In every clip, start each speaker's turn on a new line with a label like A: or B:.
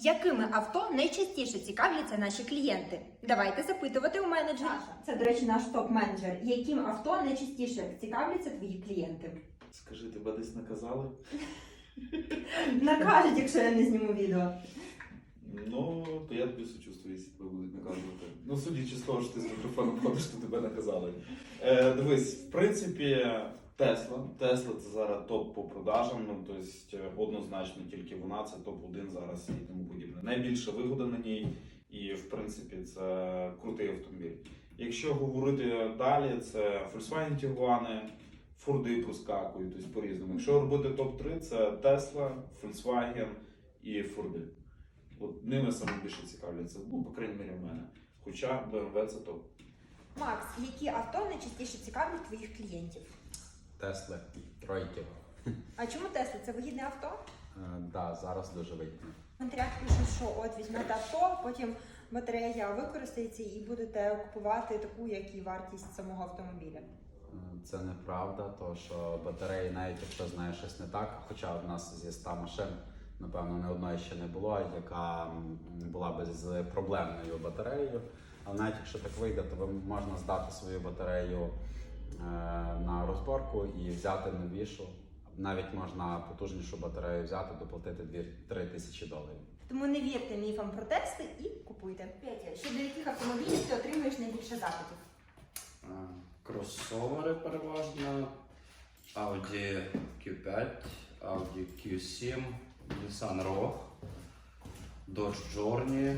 A: Якими авто найчастіше цікавляться наші клієнти? Давайте запитувати у менеджерів. Це, до речі, наш топ-менеджер. Яким авто найчастіше цікавляться твої клієнти?
B: Скажи, тебе десь наказали?
A: Накажуть, якщо я не зніму відео.
B: Ну, то я тобі сочувствую, якщо тебе будуть наказувати. Ну, судячи з того, що ти з мікрофоном ходиш, то тебе наказали. Дивись, в принципі, Tesla це зараз топ по продажам, ну, тобто однозначно тільки вона, це топ-1 зараз і тому подібне. Найбільша вигода на ній і, в принципі, це крутий автомобіль. Якщо говорити далі, це Volkswagen Tiguan, Форди проскакують, тобто по-різному. Якщо робити топ-3, це Tesla, Volkswagen і Форди. От ними саме більше цікавляться, ну, по крайній мірі в мене. Хоча BMW це топ.
A: Макс, які авто найчастіше цікавлять твоїх клієнтів?
C: Тесли, тройки.
A: А чому Tesla? Це вигідне авто?
C: Да, зараз дуже вигідно.
A: В коментарях пишуть, що от візьмете авто, потім батарея використається і будете купувати таку, як і вартість самого автомобіля.
C: Це неправда, тому що батареї, навіть якщо знаєш щось не так, хоча в нас зі 100 машин, напевно, не одної ще не було, яка була би з проблемною батареєю. Але навіть якщо так вийде, то можна здати свою батарею на розборку і взяти новішу. Навіть можна потужнішу батарею взяти, доплатити 2-3 тисячі доларів.
A: Тому не вірте міфам про Тесли і купуйте. Петя, щодо яких автомобілів ти отримуєш найбільше запитів?
D: Кросовери переважно, Audi Q5, Audi Q7, Nissan Rogue, Dodge Journey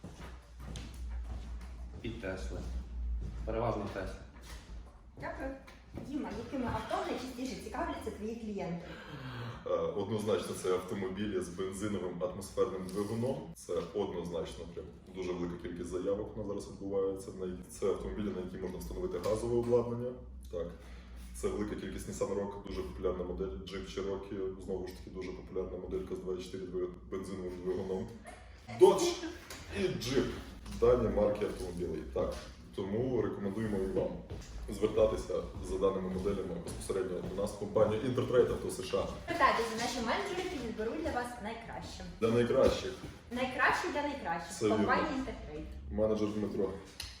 D: і Tesla. Переважно Tesla.
A: Дякую. Діма, якими авто найчастіше цікавляться твої клієнти?
E: Однозначно це автомобілі з бензиновим атмосферним двигуном. Це однозначно прям дуже велика кількість заявок на зараз відбувається. Це автомобілі, на які можна встановити газове обладнання. Так. Це велика кількість Nissan Rogue, дуже популярна модель. Jeep Cherokee, знову ж таки, дуже популярна моделька з 2.4 бензиновим двигуном. Dodge і Jeep. Дані марки автомобілів. Так. Тому рекомендуємо і вам звертатися за даними моделями безпосередньо до нас в компанію Intertrade Auto США.
A: Питайтеся, наші менеджери підберуть для вас найкраще.
E: Для найкращих.
A: Найкраще для найкращих.
E: Це
A: Компанія
E: вірно.
A: Intertrade.
E: Менеджер Дмитро.